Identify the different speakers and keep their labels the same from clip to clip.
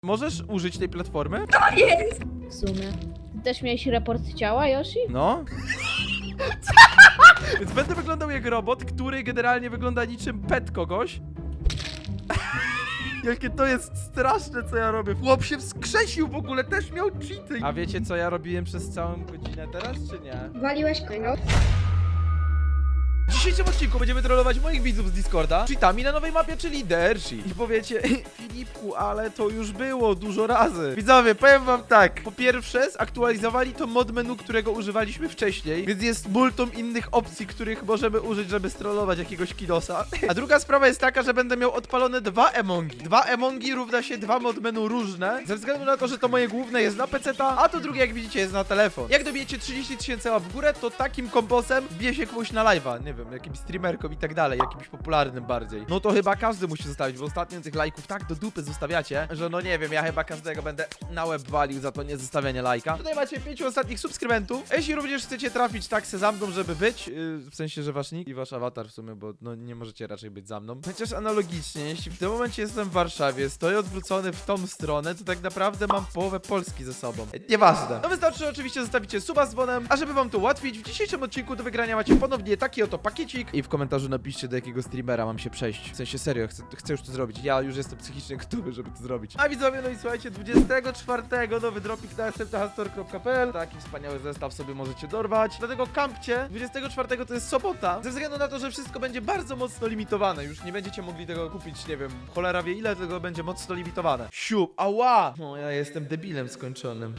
Speaker 1: Możesz użyć tej platformy?
Speaker 2: W sumie. Też miałeś raport ciała, Yoshi?
Speaker 1: No. Więc będę wyglądał jak robot, który generalnie wygląda niczym pet kogoś. Jakie to jest straszne, co ja robię. Chłop się wskrzesił w ogóle, też miał cheaty. A wiecie, co ja robiłem przez całą godzinę teraz, czy nie?
Speaker 3: Waliłeś kogo?
Speaker 1: W dzisiejszym odcinku będziemy trollować moich widzów z Discorda cheatami na nowej mapie, czyli Dershi. I powiecie, Filipku, ale to już było dużo razy. Widzowie, powiem wam tak. Po pierwsze, zaktualizowali to mod menu, którego używaliśmy wcześniej, więc jest multum innych opcji, których możemy użyć, żeby strollować jakiegoś kidosa. A druga sprawa jest taka, że będę miał odpalone dwa emongi. Dwa emongi równa się dwa mod menu różne, ze względu na to, że to moje główne jest na PC-ta, a to drugie, jak widzicie, jest na telefon. Jak dobijecie 30 000 łap w górę, to takim komposem wbije się komuś na live'a, nie wiem, jakimś streamerkom i tak dalej, jakimś popularnym bardziej. No to chyba każdy musi zostawić, bo ostatnio tych lajków tak do dupy zostawiacie, że no nie wiem, ja chyba każdego będę na łeb walił za to niezostawianie lajka. Tutaj macie 5 ostatnich subskrybentów. Jeśli również chcecie trafić taksę za mną, żeby być, w sensie, że wasz nick i wasz awatar w sumie, bo no nie możecie raczej być za mną. Chociaż analogicznie, jeśli w tym momencie jestem w Warszawie, stoję odwrócony w tą stronę, to tak naprawdę mam połowę Polski ze sobą. Nieważne. No wystarczy, że oczywiście zostawicie suba z dzwonem, a żeby wam to ułatwić, w dzisiejszym odcinku do wygrania macie ponownie taki oto pakiecik i w komentarzu napiszcie, do jakiego streamera mam się przejść. W sensie serio, chcę już to zrobić. Ja już jestem psychicznie gotowy, żeby to zrobić. A widzowie, no i słuchajcie, 24 nowy dropik na smthastor.pl. Taki wspaniały zestaw sobie możecie dorwać. Dlatego kampcie, 24 to jest sobota. Ze względu na to, że wszystko będzie bardzo mocno limitowane. Już nie będziecie mogli tego kupić, nie wiem, cholera wie ile, tego będzie mocno limitowane. Siup, ała! No ja jestem debilem skończonym.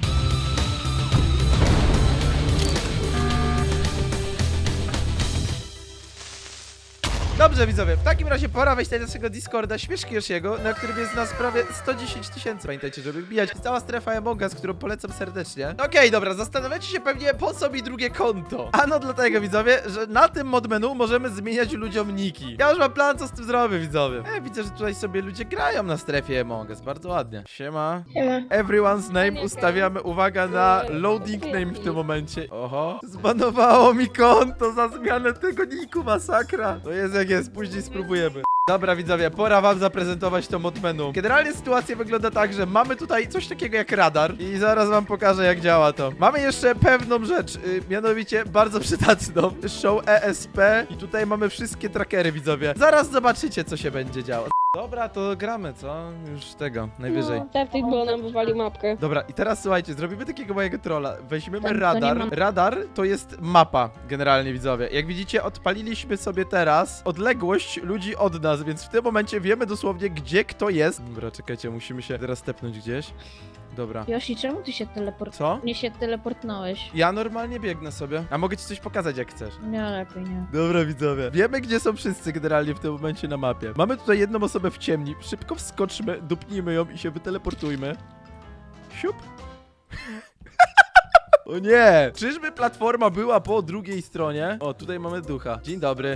Speaker 1: Dobrze widzowie, w takim razie pora wejść na naszego Discorda Śmieszki Yoshiego, na którym jest nas prawie 110 000. Pamiętajcie, żeby wbijać. Jest cała strefa Among Us, którą polecam serdecznie. Okej, dobra, zastanawiacie się pewnie, po co mi drugie konto. Ano dlatego widzowie, że na tym mod menu możemy zmieniać ludziom niki. Ja już mam plan, co z tym zrobię widzowie. Widzę, że tutaj sobie ludzie grają na strefie Among Us, bardzo ładnie. Siema.
Speaker 3: Siema.
Speaker 1: Everyone's name ustawiamy, uwaga, na loading name w tym momencie. Oho. Zbanowało mi konto za zmianę tego niku, masakra. To jest jak jest, później spróbujemy. Dobra widzowie, pora wam zaprezentować to mod menu. Generalnie sytuacja wygląda tak, że mamy tutaj coś takiego jak radar i zaraz wam pokażę, jak działa to. Mamy jeszcze pewną rzecz, mianowicie bardzo przydatną. Show ESP i tutaj mamy wszystkie trackery widzowie. Zaraz zobaczycie, co się będzie działo. Dobra, to gramy, co? Już tego, najwyżej.
Speaker 4: No, Teptik, bo nam wywalił mapkę.
Speaker 1: Dobra, i teraz słuchajcie, zrobimy takiego mojego trolla. Weźmiemy
Speaker 2: To nie
Speaker 1: radar.
Speaker 2: mam.
Speaker 1: Radar to jest mapa, generalnie widzowie. Jak widzicie, odpaliliśmy sobie teraz odległość ludzi od nas, więc w tym momencie wiemy dosłownie, gdzie kto jest. Dobra, czekajcie, musimy się teraz tepnąć gdzieś. Dobra.
Speaker 2: Yoshi, czemu ty się
Speaker 1: Co?
Speaker 2: Nie się teleportnąłeś.
Speaker 1: Ja normalnie biegnę sobie. A mogę ci coś pokazać, jak chcesz.
Speaker 2: Nie, lepiej nie.
Speaker 1: Dobra, widzowie. Wiemy, gdzie są wszyscy generalnie w tym momencie na mapie. Mamy tutaj jedną osobę w ciemni. Szybko wskoczmy, dupnijmy ją i się wyteleportujmy. Siup. O nie! Czyżby platforma była po drugiej stronie? O, tutaj mamy ducha. Dzień dobry.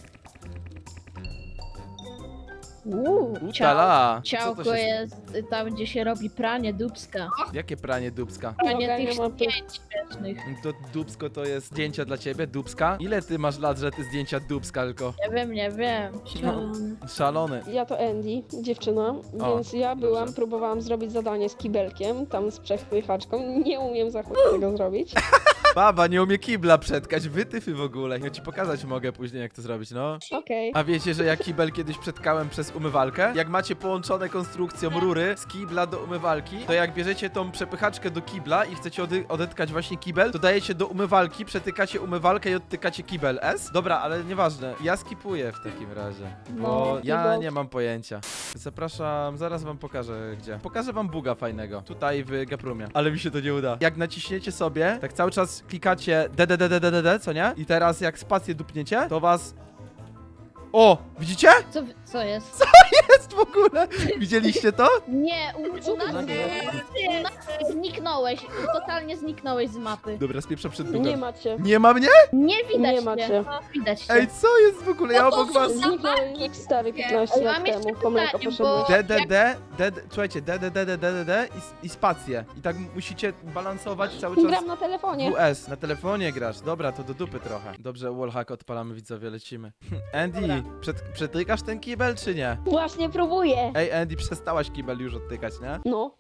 Speaker 1: Utala. Co to
Speaker 2: Ciałko
Speaker 1: się...
Speaker 2: jest tam, gdzie się robi pranie dubska.
Speaker 1: Jakie pranie dubska?
Speaker 2: Pranie
Speaker 4: Dobra,
Speaker 2: tych
Speaker 4: nie ma
Speaker 2: zdjęć śmiesznych.
Speaker 1: To dubsko to jest zdjęcia dla ciebie? Dubska? Ile ty masz lat, że ty zdjęcia dubska tylko?
Speaker 2: Nie wiem.
Speaker 1: Szalony.
Speaker 4: Ja to Andy, dziewczyna,
Speaker 1: O,
Speaker 4: więc ja
Speaker 1: dobrze.
Speaker 4: próbowałam zrobić zadanie z kibelkiem, tam z przepychaczką. Nie umiem za chuj tego zrobić.
Speaker 1: Baba nie umie kibla przetkać, wytyfy w ogóle. Ja ci pokazać mogę później, jak to zrobić, no.
Speaker 4: Okej.
Speaker 1: A wiecie, że ja kibel kiedyś przetkałem przez umywalkę? Jak macie połączone konstrukcją rury z kibla do umywalki, to jak bierzecie tą przepychaczkę do kibla i chcecie odetkać właśnie kibel, to dajecie do umywalki, przetykacie umywalkę i odtykacie kibel S? Dobra, ale nieważne. Ja skipuję w takim razie, bo
Speaker 4: No,
Speaker 1: ja
Speaker 4: kibel.
Speaker 1: nie mam pojęcia. Zapraszam, zaraz wam pokażę gdzie. Pokażę wam buga fajnego, tutaj w Gaprumie, ale mi się to nie uda. Jak naciśniecie sobie, tak cały czas klikacie DDDDDD, co nie? I teraz jak spację dupniecie, to was... O! Widzicie?
Speaker 2: Co jest?
Speaker 1: Jest w ogóle! Widzieliście to?
Speaker 2: Nie,
Speaker 4: Co
Speaker 2: u
Speaker 4: to
Speaker 2: nas zniknąłeś. Totalnie zniknąłeś z mapy.
Speaker 1: Dobra, spieprzę przed
Speaker 4: Nie
Speaker 1: dugem.
Speaker 4: macie.
Speaker 1: Nie ma mnie?
Speaker 2: Nie widać
Speaker 4: Nie macie.
Speaker 2: cię. Widać cię.
Speaker 1: Ej, co jest w ogóle? Ja obok was...
Speaker 4: Zniknąłem jak stary 15
Speaker 2: Ale
Speaker 4: lat
Speaker 2: mam jeszcze
Speaker 4: temu, po mleko
Speaker 2: pytanie,
Speaker 4: poszedłem.
Speaker 1: DDD, słuchajcie, DDDDDD i spację. I tak musicie balansować cały czas.
Speaker 4: Gram na telefonie.
Speaker 1: WS, na telefonie grasz. Dobra, to do dupy trochę. Dobrze, wallhack odpalamy, widzowie, lecimy. Andy, przetykasz ten kibel, czy nie?
Speaker 4: Właśnie próbuję.
Speaker 1: Ej, Andy, przestałaś kibel już odtykać, nie?
Speaker 4: No.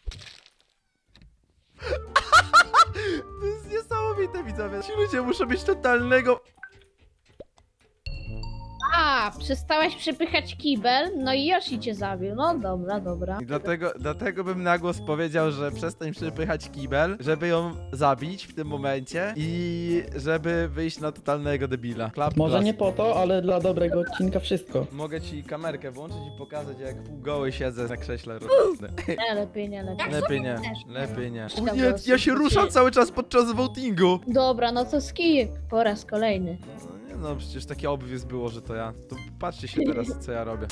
Speaker 1: To jest niesamowite, widzowie. Ci ludzie muszą mieć totalnego...
Speaker 2: A, przestałeś przepychać kibel, no i Yoshi cię zabił. No dobra, dobra.
Speaker 1: I dlatego bym na głos powiedział, że przestań przepychać kibel, żeby ją zabić w tym momencie i żeby wyjść na totalnego debila. Klap,
Speaker 3: Może
Speaker 1: klas.
Speaker 3: nie po to, ale dla dobrego odcinka wszystko.
Speaker 1: Mogę ci kamerkę włączyć i pokazać, jak półgoły siedzę na krześle.
Speaker 2: Nie, lepiej nie, lepiej.
Speaker 1: Lepiej nie, lepiej nie.
Speaker 2: Tam
Speaker 1: O nie,
Speaker 2: dosyć,
Speaker 1: ja się
Speaker 2: bo
Speaker 1: ruszam
Speaker 2: ci-
Speaker 1: cały czas podczas votingu.
Speaker 2: Dobra, no to skip po raz kolejny.
Speaker 1: No nie no, przecież takie obvious było, że to ja. To patrzcie się teraz, co ja robię.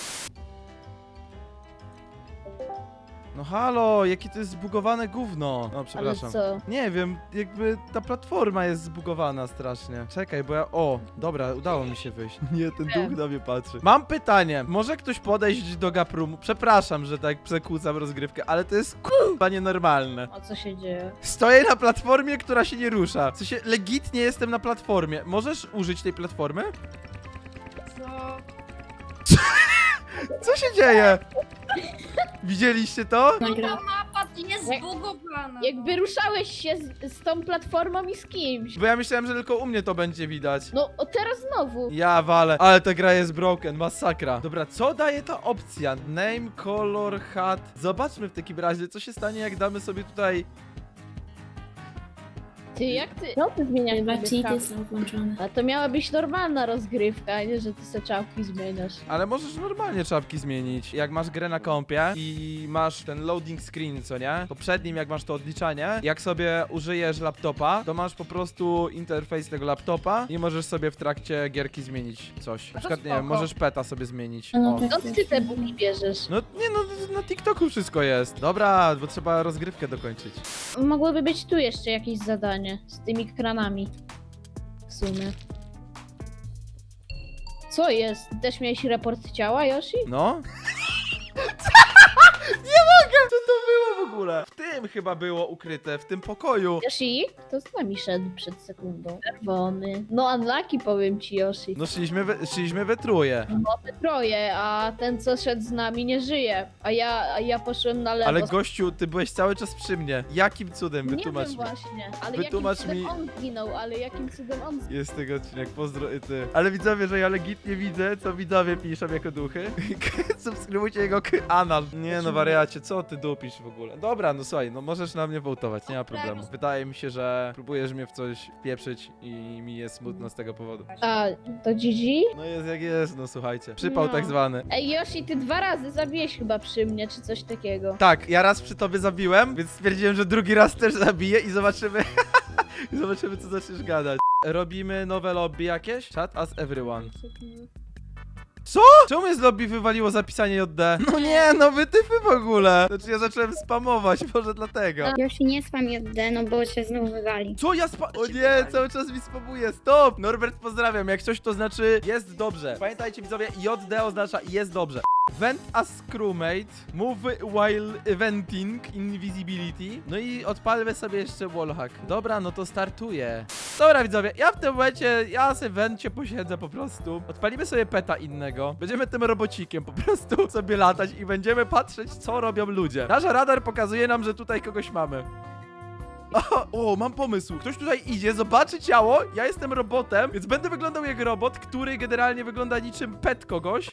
Speaker 1: No halo, jakie to jest zbugowane gówno. No,
Speaker 2: Ale
Speaker 1: przepraszam.
Speaker 2: co?
Speaker 1: Nie wiem, jakby ta platforma jest zbugowana strasznie. Czekaj, bo ja... O, dobra, udało mi się wyjść. Nie, ten duch na mnie patrzy. Mam pytanie. Może ktoś podejść do Gaprumu? Przepraszam, że tak przekłócam rozgrywkę, ale to jest k***a nienormalne.
Speaker 2: O co się dzieje?
Speaker 1: Stoję na platformie, która się nie rusza. W sensie, legitnie jestem na platformie. Możesz użyć tej platformy? Co się dzieje? Widzieliście to?
Speaker 5: Mapa jest
Speaker 2: Jak-
Speaker 5: zbugowana.
Speaker 2: Jakby ruszałeś się z tą platformą i z kimś.
Speaker 1: Bo ja myślałem, że tylko u mnie to będzie widać.
Speaker 2: No, o teraz znowu.
Speaker 1: Ja walę, ale ta gra jest broken, masakra. Dobra, co daje ta opcja? Name, color, hat. Zobaczmy w takim razie, co się stanie, jak damy sobie tutaj...
Speaker 2: Ty, jak ty? No, ty zmieniasz
Speaker 5: Chyba
Speaker 2: sobie
Speaker 5: cheaty
Speaker 2: czapki.
Speaker 5: są włączone.
Speaker 2: A to miała być normalna rozgrywka, a nie, że ty se czapki zmieniasz.
Speaker 1: Ale możesz normalnie czapki zmienić. Jak masz grę na kompie i masz ten loading screen, co nie? To przed nim, jak masz to odliczanie, jak sobie użyjesz laptopa, to masz po prostu interfejs tego laptopa i możesz sobie w trakcie gierki zmienić coś. Na przykład, nie wiem,
Speaker 2: spoko.
Speaker 1: możesz peta sobie zmienić.
Speaker 5: No
Speaker 1: O.
Speaker 5: tak.
Speaker 2: Skąd ty te buki bierzesz?
Speaker 1: No nie no, na TikToku wszystko jest. Dobra, bo trzeba rozgrywkę dokończyć.
Speaker 2: Mogłoby być tu jeszcze jakieś zadanie z tymi kranami. W sumie. Co jest? Też miałeś raport ciała, Yoshi?
Speaker 1: No? Nie mogę! Co to było w ogóle? W tym chyba było ukryte, w tym pokoju.
Speaker 2: Yoshi? Kto z nami szedł przed sekundą? Czerwony. No unlucky powiem ci, Yoshi.
Speaker 1: No szliśmy we trójkę.
Speaker 2: Mamy troje, a ten co szedł z nami nie żyje. A ja poszłem na lewo.
Speaker 1: Ale gościu, ty byłeś cały czas przy mnie. Jakim cudem?
Speaker 2: Nie
Speaker 1: Wytłumacz
Speaker 2: wiem
Speaker 1: mi.
Speaker 2: właśnie, ale
Speaker 1: Wytłumacz
Speaker 2: jakim cudem
Speaker 1: mi.
Speaker 2: on zginął, ale jakim cudem on zginął?
Speaker 1: Jest tego odcinek, pozdro i ty. Ale widzowie, że ja legitnie widzę, co widzowie piszą jako duchy. Subskrybujcie jego anal. Nie no, wariacie, co ty dupisz w ogóle? Dobra, no słuchaj, no możesz na mnie wołtować, nie ma problemu. Wydaje mi się, że próbujesz mnie w coś wpieprzyć i mi jest smutno z tego powodu.
Speaker 2: A, to GG?
Speaker 1: No jest jak jest, no słuchajcie. Przypał
Speaker 2: No.
Speaker 1: tak zwany.
Speaker 2: Ej, Yoshi, ty 2 razy zabiłeś chyba przy mnie, czy coś takiego.
Speaker 1: Tak, ja raz przy tobie zabiłem, więc stwierdziłem, że drugi raz też zabiję i zobaczymy. I zobaczymy, co zaczniesz gadać. Robimy nowe lobby jakieś? Chat as everyone. Co? Czemu mnie z lobby wywaliło zapisanie JD? No nie, no wytyfy w ogóle. Znaczy ja zacząłem spamować, może dlatego.
Speaker 6: Yoshi, nie spam JD, no bo się znowu wywali.
Speaker 1: Co ja O nie, cały czas mi spamuje, stop! Norbert, pozdrawiam, jak coś to znaczy jest dobrze. Pamiętajcie widzowie, JD oznacza jest dobrze. Vent as crewmate, move while eventing invisibility. No i odpalmy sobie jeszcze wallhack. Dobra, no to startuję. Dobra widzowie, ja w tym momencie, ja sobie w wencie posiedzę po prostu. Odpalimy sobie peta innego. Będziemy tym robocikiem po prostu sobie latać i będziemy patrzeć, co robią ludzie. Nasz radar pokazuje nam, że tutaj kogoś mamy. O, mam pomysł. Ktoś tutaj idzie, zobaczy ciało, ja jestem robotem, więc będę wyglądał jak robot, który generalnie wygląda niczym pet kogoś.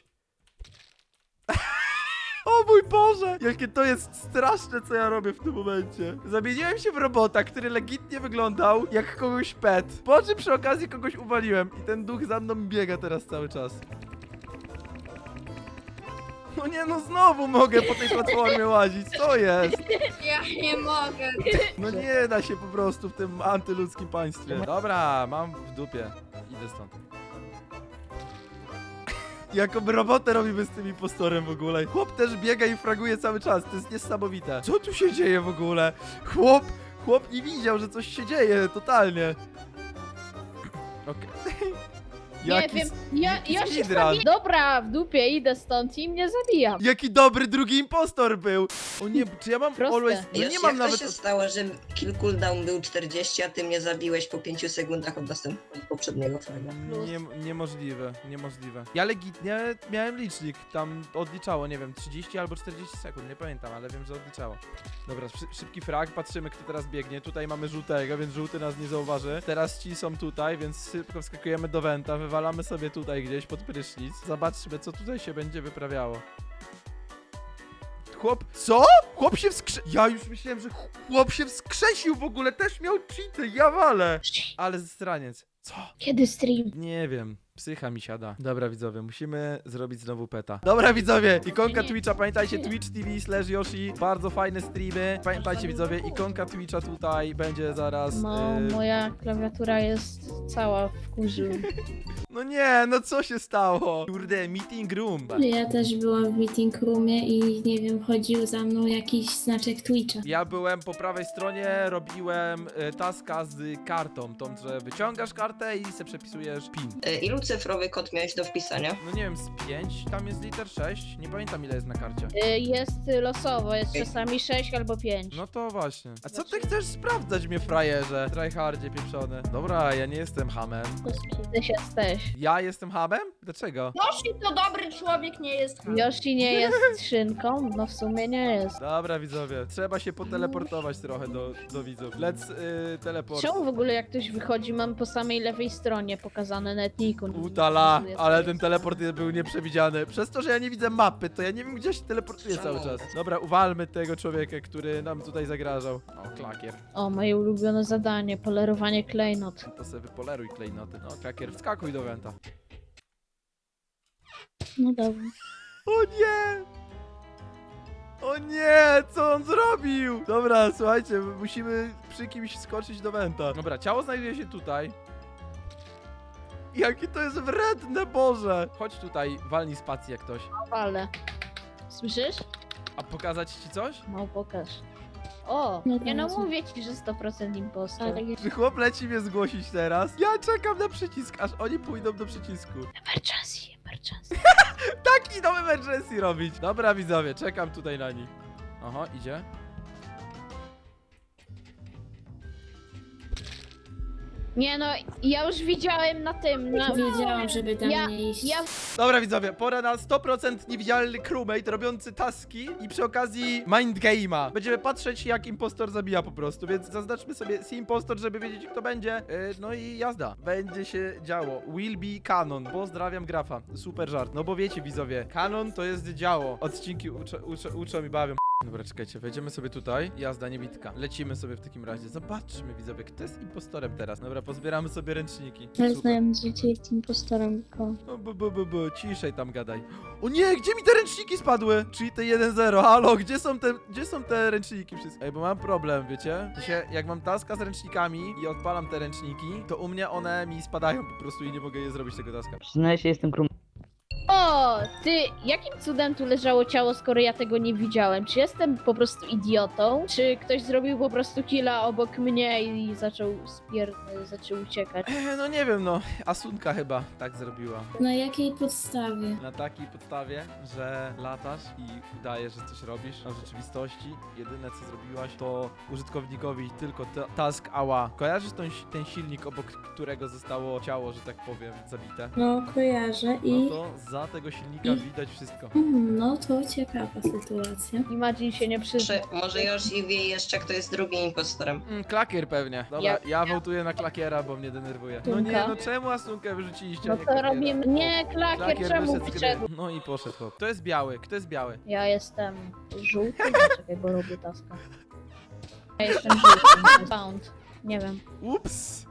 Speaker 1: O mój Boże! Jakie to jest straszne, co ja robię w tym momencie. Zamieniłem się w robota, który legitnie wyglądał jak kogoś pet. Po czym przy okazji kogoś uwaliłem i ten duch za mną biega teraz cały czas. No nie, no znowu mogę po tej platformie łazić, co jest?
Speaker 5: Ja nie mogę.
Speaker 1: No nie da się po prostu w tym antyludzkim państwie. Dobra, mam w dupie. Idę stąd. Jaką robotę robimy z tym impostorem w ogóle? Chłop też biega i fraguje cały czas, to jest niesamowite. Co tu się dzieje w ogóle? Chłop nie widział, że coś się dzieje, totalnie. Okej. Jaki
Speaker 2: Nie wiem, ja się
Speaker 1: speedrun.
Speaker 2: zabijam. Dobra, w dupie idę stąd i mnie zabijam.
Speaker 1: Jaki dobry drugi impostor był! O nie, czy ja mam
Speaker 2: Proste.
Speaker 1: always... No
Speaker 7: Josi,
Speaker 1: nie mam
Speaker 7: jak
Speaker 1: nawet...
Speaker 7: to się stało, że kill cooldown był 40, a ty mnie zabiłeś po 5 sekundach od poprzedniego fraga?
Speaker 1: Niemożliwe, niemożliwe. Ja legitnie miałem licznik, tam odliczało, nie wiem, 30 albo 40 sekund, nie pamiętam, ale wiem, że odliczało. Dobra, szybki frag, patrzymy kto teraz biegnie. Tutaj mamy żółtego, więc żółty nas nie zauważy. Teraz ci są tutaj, więc szybko wskakujemy do wenta, wywalamy sobie tutaj gdzieś pod prysznic. Zobaczmy, co tutaj się będzie wyprawiało. Chłop... Co? Chłop się Ja już myślałem, że chłop się wskrzesił w ogóle, też miał cheaty, ja walę. Ale zraniec. Co?
Speaker 2: Kiedy stream?
Speaker 1: Nie wiem. Psycha mi siada. Dobra widzowie, musimy zrobić znowu peta. Dobra widzowie, ikonka Twitcha, pamiętajcie, Twitch TV/Yoshi, bardzo fajne streamy. Pamiętajcie widzowie, ikonka Twitcha tutaj będzie zaraz.
Speaker 2: No, moja klawiatura jest cała w kurzu.
Speaker 1: No nie, no co się stało? Kurde, meeting room.
Speaker 8: Ja też byłam w meeting roomie i nie wiem, chodził za mną jakiś znaczek Twitcha.
Speaker 1: Ja byłem po prawej stronie, robiłem taska z kartą, tą, że wyciągasz kartę i se przepisujesz pin.
Speaker 7: Ilu cyfrowy kod miałeś do wpisania?
Speaker 1: No nie wiem, z 5, tam jest liter 6, nie pamiętam ile jest na karcie.
Speaker 2: Jest losowo, jest czasami 6 albo 5.
Speaker 1: No to właśnie. A co ty chcesz sprawdzać mnie, frajerze? Tryhardzie pieprzony. Dobra, ja nie jestem hamem.
Speaker 2: Ty się jesteś.
Speaker 1: Ja jestem hamem? Dlaczego?
Speaker 5: Yoshi to dobry człowiek, nie jest ham.
Speaker 2: Yoshi nie jest szynką? No w sumie nie jest.
Speaker 1: Dobra, widzowie. Trzeba się poteleportować trochę do widzów. Let's teleport.
Speaker 2: Czemu w ogóle jak ktoś wychodzi, mam po samej lewej stronie pokazane na etniku?
Speaker 1: Utala, ale ten teleport był nieprzewidziany. Przez to, że ja nie widzę mapy, to ja nie wiem, gdzie się teleportuje cały czas. Dobra, uwalmy tego człowieka, który nam tutaj zagrażał. O, klakier.
Speaker 2: O, moje ulubione zadanie, polerowanie klejnot.
Speaker 1: To sobie wypoleruj klejnoty. No, klakier, wskakuj do wenta.
Speaker 2: No dobra.
Speaker 1: O nie! O nie! Co on zrobił? Dobra, słuchajcie, musimy przy kimś skoczyć do wenta. Dobra, ciało znajduje się tutaj. Jakie to jest wredne, Boże! Chodź tutaj, walnij spację jak ktoś.
Speaker 2: Ale. Słyszysz?
Speaker 1: A pokazać ci coś?
Speaker 2: No pokaż. O,
Speaker 8: No
Speaker 2: nie no
Speaker 8: bardzo.
Speaker 2: mówię ci, że 100% impostor.
Speaker 8: Ale
Speaker 1: Czy chłop leci mnie zgłosić teraz? Ja czekam na przycisk, aż oni pójdą do przycisku.
Speaker 2: Emergency, emergency.
Speaker 1: Tak, idą emergency robić. Dobra, widzowie, czekam tutaj na nich. Oho, idzie.
Speaker 2: Nie no, ja już widziałem na tym, na...
Speaker 8: wiedziałam, żeby tam
Speaker 2: Ja-
Speaker 8: nie iść.
Speaker 2: ja-
Speaker 1: Dobra, widzowie, pora na 100% niewidzialny crewmate robiący taski i przy okazji mind game'a. Będziemy patrzeć, jak impostor zabija po prostu, więc zaznaczmy sobie si impostor, żeby wiedzieć, kto będzie. No i jazda. Będzie się działo. Will be canon. Pozdrawiam grafa. Super żart. No bo wiecie, widzowie, kanon to jest działo. Odcinki uczą i bawią. Dobra, czekajcie, wejdziemy sobie tutaj. Jazda, niebitka. Lecimy sobie w takim razie. Zobaczmy, widzowie, kto jest impostorem teraz. Dobra, pozbieramy sobie ręczniki.
Speaker 8: Ale
Speaker 1: Super.
Speaker 8: znałem, że ty jest impostorem, tylko...
Speaker 1: No, ciszej tam gadaj. O nie, gdzie mi te ręczniki spadły? Czyli te 1-0, halo, gdzie są te ręczniki wszystkie? Ej, bo mam problem, wiecie? To się, jak mam taska z ręcznikami i odpalam te ręczniki, to u mnie one mi spadają po prostu i nie mogę je zrobić tego taska.
Speaker 3: Przyznaję się, jestem krum.
Speaker 2: O, ty, jakim cudem tu leżało ciało, skoro ja tego nie widziałem? Czy jestem po prostu idiotą? Czy ktoś zrobił po prostu killa obok mnie i zaczął uciekać?
Speaker 1: No nie wiem, no, Asunka chyba tak zrobiła.
Speaker 8: Na jakiej podstawie?
Speaker 1: Na takiej podstawie, że latasz i udajesz, że coś robisz, a w rzeczywistości jedyne co zrobiłaś, to użytkownikowi tylko task ała. Kojarzysz ten silnik, obok którego zostało ciało, że tak powiem, zabite?
Speaker 8: No, kojarzę
Speaker 1: No
Speaker 8: i...
Speaker 1: to za tego silnika widać wszystko.
Speaker 8: No, to ciekawa sytuacja.
Speaker 2: Imagine się nie przyzna.
Speaker 7: Czy może Josi wie jeszcze, kto jest drugim impostorem?
Speaker 1: Klakier pewnie. Dobra, ja wołtuję na klakiera, bo mnie denerwuje. No nie,
Speaker 2: Tunka.
Speaker 1: no czemu Asunkę wyrzuciliście?
Speaker 2: No
Speaker 1: a nie
Speaker 2: to
Speaker 1: klakiera?
Speaker 2: robimy... Nie, klakier, czemu
Speaker 1: wyszedł z gry.
Speaker 2: wyszedł?
Speaker 1: No i poszedł chłop. Kto jest biały? Kto jest biały?
Speaker 2: Ja jestem żółty? Czekaj, bo robię taska. Ja jestem żółty. Found. Nie wiem.
Speaker 1: Ups!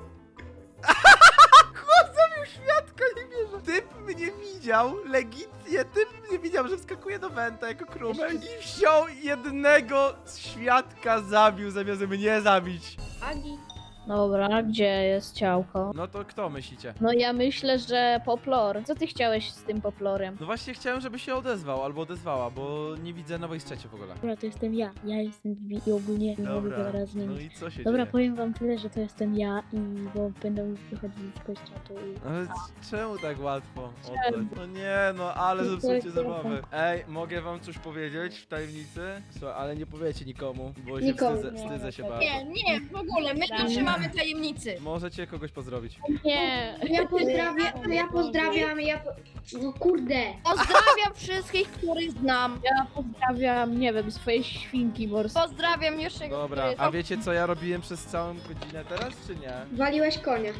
Speaker 1: Chłop zabił świadka, nie wierzę. Typ mnie widział, legitnie, typ mnie widział, że wskakuje do Wenta jako krumel i wziął jednego świadka zabił, zamiast mnie zabić.
Speaker 2: Agi. Dobra, gdzie jest ciałko?
Speaker 1: No to kto myślicie?
Speaker 2: No ja myślę, że Poplor. Co ty chciałeś z tym Poplorem?
Speaker 1: No właśnie chciałem, żeby się odezwał albo odezwała, bo nie widzę nowej strzeci w ogóle.
Speaker 9: Dobra, to jestem ja. Ja jestem Vivi i ogólnie nie mogę
Speaker 1: Dobra,
Speaker 9: teraz z
Speaker 1: no
Speaker 9: nimi.
Speaker 1: i co się
Speaker 9: Dobra,
Speaker 1: dzieje?
Speaker 9: powiem wam tyle, że to jestem ja i bo będą wychodzić z kościoła i...
Speaker 1: Ale czemu tak łatwo oddać? No nie, no ale zepsucie zabawy. Ej, mogę wam coś powiedzieć w tajemnicy? Słuchaj, ale nie powiecie nikomu, bo się
Speaker 4: Nikomu.
Speaker 1: wstydzę się bardzo.
Speaker 5: Nie, w ogóle, my tu trzymamy tajemnicy.
Speaker 1: Możecie kogoś pozdrowić.
Speaker 2: Nie.
Speaker 6: Ja pozdrawiam, no kurde.
Speaker 5: Pozdrawiam wszystkich, których znam.
Speaker 2: Ja pozdrawiam, nie wiem, swoje świnki morskie.
Speaker 5: Pozdrawiam jeszcze
Speaker 1: Dobra, a wiecie co ja robiłem przez całą godzinę teraz, czy nie?
Speaker 6: Waliłeś konia.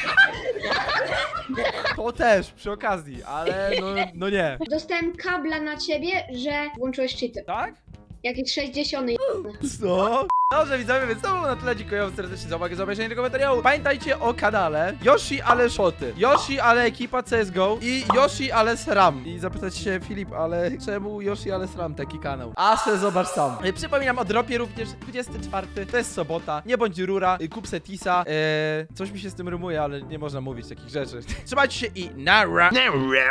Speaker 1: To też, przy okazji, ale no nie.
Speaker 6: Dostałem kabla na ciebie, że włączyłeś cheaty.
Speaker 1: Tak?
Speaker 6: Jakieś 60.
Speaker 1: Co? Dobrze widzowie, więc to było na tyle. Dziękuję wam serdecznie za uwagę, za obejrzenie tego materiału. Pamiętajcie o kanale Yoshi ale Shoty, Yoshi ale ekipa CSGO i Yoshi ale SRAM. I zapytać się Filip, ale czemu Yoshi ale SRAM taki kanał? A se zobacz sam. Przypominam o dropie również 24, to jest sobota. Nie bądź rura, kup se tisa. Coś mi się z tym rymuje, ale nie można mówić takich rzeczy. Trzymajcie się i nara.